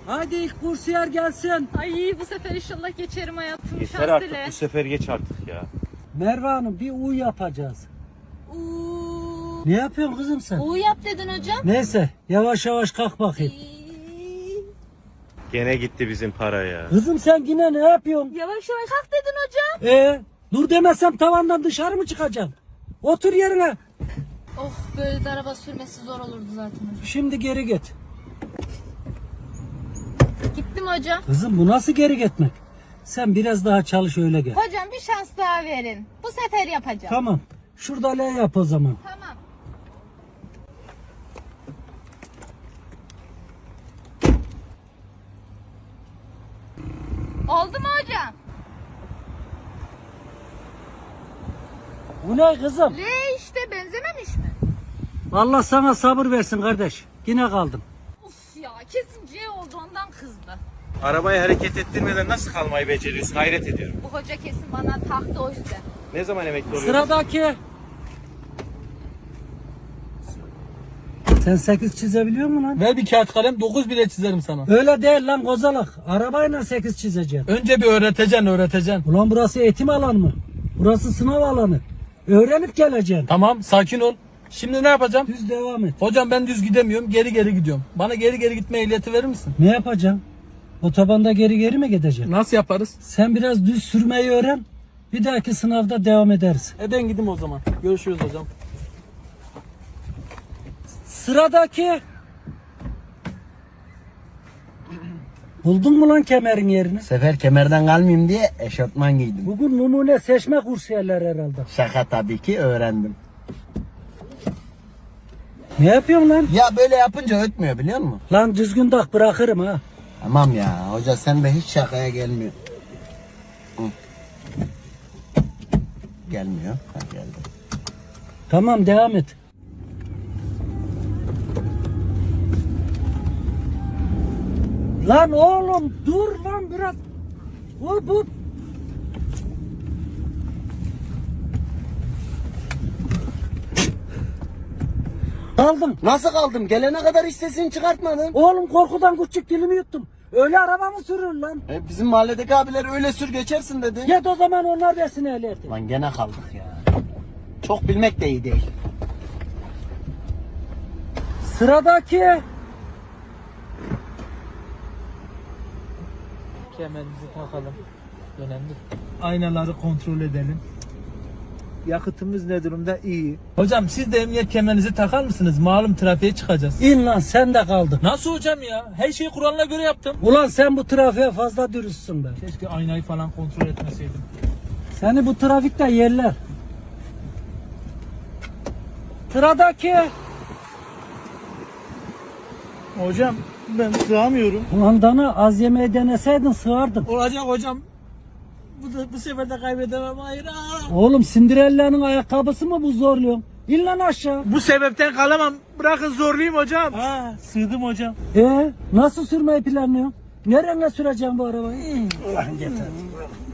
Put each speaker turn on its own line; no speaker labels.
Hadi ilk kursiyer gelsin.
Ay bu sefer inşallah geçerim hayatım.
Yeter
Şans
artık,
dile.
bu sefer geç artık ya.
Merve Hanım bir U yapacağız.
Uuu.
Ne yapıyorsun kızım sen?
U yap dedin hocam.
Neyse yavaş yavaş kalk bakayım.
Gene gitti bizim para ya.
Kızım sen yine ne yapıyorsun?
Yavaş yavaş kalk dedin hocam.
Dur demezsem tavandan dışarı mı çıkacaksın? Otur yerine.
Oh böyle de araba sürmesi zor olurdu zaten hocam.
Şimdi geri git.
Gittim hocam.
Kızım bu nasıl geri gitmek? Sen biraz daha çalış öyle gel.
Hocam bir şans daha verin. Bu sefer yapacağım.
Tamam. Şurada L yap o zaman.
Tamam. Oldu mu hocam?
Bu ne kızım?
L işte benzememiş mi?
Allah sana sabır versin kardeş. Yine kaldım.
Uf ya kesin C oldu ondan kızdı.
Arabayı hareket ettirmeden nasıl kalmayı beceriyorsun, hayret ediyorum.
Bu hoca kesin bana taktı o yüzden.
Ne zaman emekli oluyorsun?
Sıradaki. Sen 8 çizebiliyor musun lan?
Ver bir kağıt kalem 9 bile çizerim sana.
Öyle değil lan kozalak. Arabayla 8 çizeceksin.
Önce bir öğreteceksin.
Ulan burası eğitim alanı mı? Burası sınav alanı. Öğrenip geleceksin.
Tamam sakin ol. Şimdi ne yapacağım?
Düz devam et.
Hocam ben düz gidemiyorum geri gidiyorum. Bana geri gitme ehliyeti verir misin?
Ne yapacaksın? Otobanda geri mi gideceksin?
Nasıl yaparız?
Sen biraz düz sürmeyi öğren. Bir dahaki sınavda devam ederiz.
Ben gideyim o zaman. Görüşürüz hocam.
Sıradaki. Buldun mu lan kemerin yerini?
Sefer kemerden kalmayayım diye eşofman giydim.
Bugün numune seçme kursiyerler herhalde.
Şaka tabii ki öğrendim.
Ne yapıyorsun lan?
Ya böyle yapınca ötmüyor biliyor musun?
Lan düzgün tak bırakırım ha.
Tamam ya hoca sen de hiç şakaya gelmiyor. Hı. Gelmiyor. Ha, geldi.
Tamam devam et. Lan oğlum dur lan biraz. Hop hop. Kaldım.
Nasıl kaldım? Gelene kadar hiç sesini çıkartmadın.
Oğlum korkudan küçük dilimi yuttum. Öyle araba mı sürür lan?
Bizim mahalledeki abiler öyle sür geçersin dedi.
Git o zaman onlar versin ehliyeti.
Lan gene kaldık ya. Çok bilmek de iyi değil.
Sıradaki.
Kemerimizi takalım. Önemli. Aynaları kontrol edelim.
Yakıtımız ne durumda? İyi.
Hocam siz de emniyet kemerinizi takar mısınız? Malum trafiğe çıkacağız.
İn lan sen de kaldın.
Nasıl hocam ya? Her şeyi kuralına göre yaptım.
Ulan sen bu trafiğe fazla dürüstsün be.
Keşke aynayı falan kontrol etmeseydim.
Seni bu trafikte yerler. Sıradaki.
Hocam ben sığamıyorum.
Ulan dana az yemeği deneseydin sığardın.
Olacak hocam. Bu sefer de kaybedemem. Hayır.
Oğlum Cinderella'nın ayakkabısı mı bu zorluyor? İn lan aşağı.
Bu sebepten kalamam. Bırakın zorlayayım hocam. Ha, sığdım hocam.
Nasıl sürmeyi planlıyorsun? Nereye süreceğim bu arabayı? Ulan yeter.